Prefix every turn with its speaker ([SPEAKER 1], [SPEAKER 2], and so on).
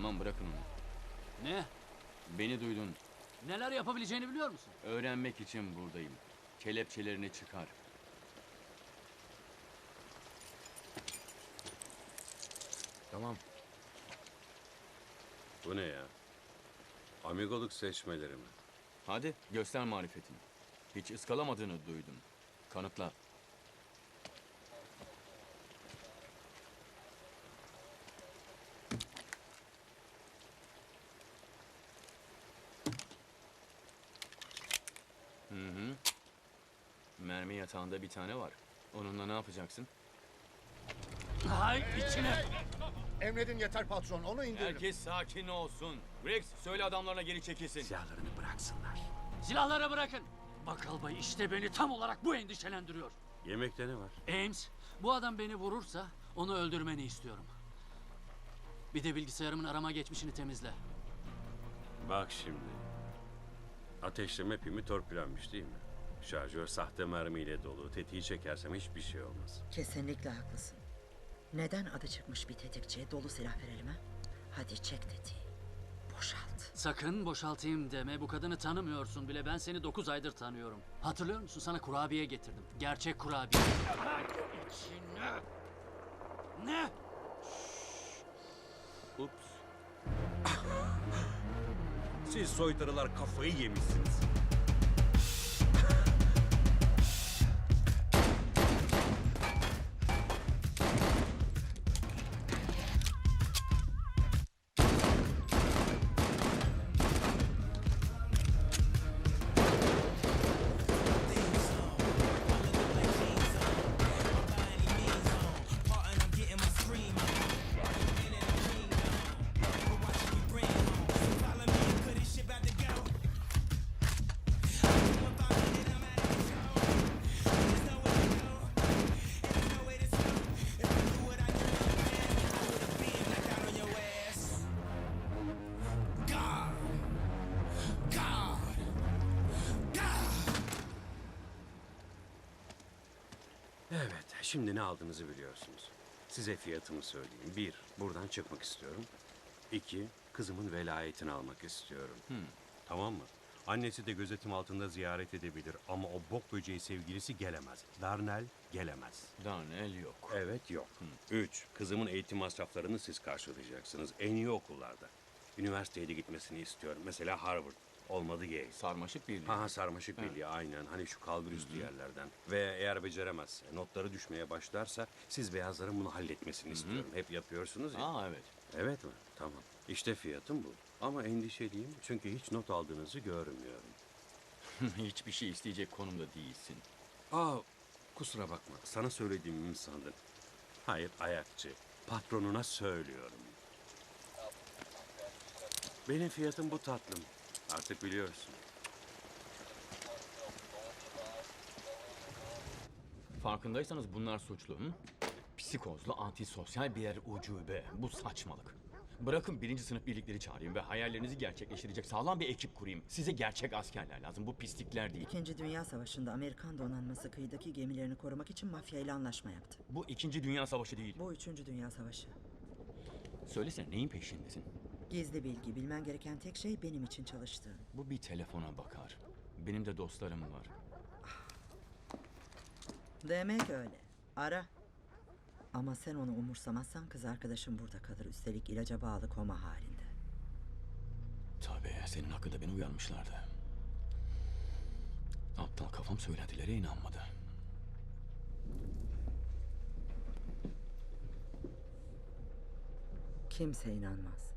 [SPEAKER 1] Tamam, bırakın onu.
[SPEAKER 2] Ne?
[SPEAKER 1] Beni duydun.
[SPEAKER 2] Neler yapabileceğini biliyor musun?
[SPEAKER 1] Öğrenmek için buradayım. Kelepçelerini çıkar.
[SPEAKER 3] Tamam. Bu ne ya? Amigoluk seçmeleri mi?
[SPEAKER 1] Hadi göster marifetini. Hiç ıskalamadığını duydum. Kanıtla. Mermi yatağında bir tane var. Onunla ne yapacaksın?
[SPEAKER 2] Hay içine!
[SPEAKER 4] Emredin yeter patron, onu indirin.
[SPEAKER 1] Herkes sakin olsun. Rex, söyle adamlarına geri çekilsin.
[SPEAKER 3] Silahlarını bıraksınlar.
[SPEAKER 2] Silahları bırakın! Bakal Bay işte beni tam olarak bu endişelendiriyor.
[SPEAKER 3] Yemekte ne var?
[SPEAKER 2] Ames, bu adam beni vurursa onu öldürmeni istiyorum. Bir de bilgisayarımın arama geçmişini temizle.
[SPEAKER 3] Bak şimdi. Ateşleme pimi torpilenmiş değil mi? Şarjör sahte mermiyle dolu. Tetiği çekersem hiçbir şey olmaz.
[SPEAKER 5] Kesinlikle haklısın. Neden adı çıkmış bir tetikçiye dolu silah verelim ha? Hadi çek tetiği. Boşalt.
[SPEAKER 2] Sakın boşaltayım deme. Bu kadını tanımıyorsun bile. Ben seni 9 aydır tanıyorum. Hatırlıyor musun? Sana kurabiye getirdim. Gerçek kurabiye. İçine. Ne?
[SPEAKER 1] Ups.
[SPEAKER 3] Siz soytarılar kafayı yemişsiniz. Evet, şimdi ne aldığınızı biliyorsunuz. Size fiyatımı söyleyeyim. 1, buradan çıkmak istiyorum. 2, kızımın velayetini almak istiyorum. Tamam mı? Annesi de gözetim altında ziyaret edebilir ama o bok böceği sevgilisi gelemez. Darnell gelemez.
[SPEAKER 1] Darnell yok.
[SPEAKER 3] Evet, yok. 3, kızımın eğitim masraflarını siz karşılayacaksınız. En iyi okullarda. Üniversiteye de gitmesini istiyorum. Mesela Harvard. Olmadı Yale.
[SPEAKER 1] Sarmaşık birliği.
[SPEAKER 3] Ha sarmaşık birliği aynen. Hani şu kalbur üstü yerlerden. Ve eğer beceremezse, notları düşmeye başlarsa siz beyazların bunu halletmesini istiyorum. Hep yapıyorsunuz ya.
[SPEAKER 1] Aa, evet.
[SPEAKER 3] Evet mi? Tamam. İşte fiyatım bu. Ama endişeliyim çünkü hiç not aldığınızı görmüyorum.
[SPEAKER 1] Hiçbir şey isteyecek konumda değilsin.
[SPEAKER 3] Aa, kusura bakma. Sana söylediğimi mi sandın? Hayır, ayakçı. Patronuna söylüyorum. Benim fiyatım bu tatlım. Artık biliyorsun.
[SPEAKER 1] Farkındaysanız bunlar suçlu. Hı? Psikozlu, antisosyal birer ucube. Bu saçmalık. Bırakın birinci sınıf birlikleri çağırayım ve hayallerinizi gerçekleştirecek sağlam bir ekip kurayım. Size gerçek askerler lazım. Bu pislikler değil.
[SPEAKER 5] İkinci Dünya Savaşı'nda Amerikan donanması kıyıdaki gemilerini korumak için mafya ile anlaşma yaptı.
[SPEAKER 1] Bu 2. Dünya Savaşı değil.
[SPEAKER 5] Bu 3. Dünya Savaşı.
[SPEAKER 1] Söylesene, neyin peşindesin?
[SPEAKER 5] Gizli bilgi, bilmen gereken tek şey benim için çalıştığın.
[SPEAKER 1] Bu bir telefona bakar. Benim de dostlarım var.
[SPEAKER 5] Demek öyle. Ara. Ama sen onu umursamazsan kız arkadaşım burada kalır. Üstelik ilaca bağlı koma halinde.
[SPEAKER 1] Tabii, senin hakkında beni uyarmışlardı. Aptal kafam söylentilere inanmadı.
[SPEAKER 5] Kimse inanmaz.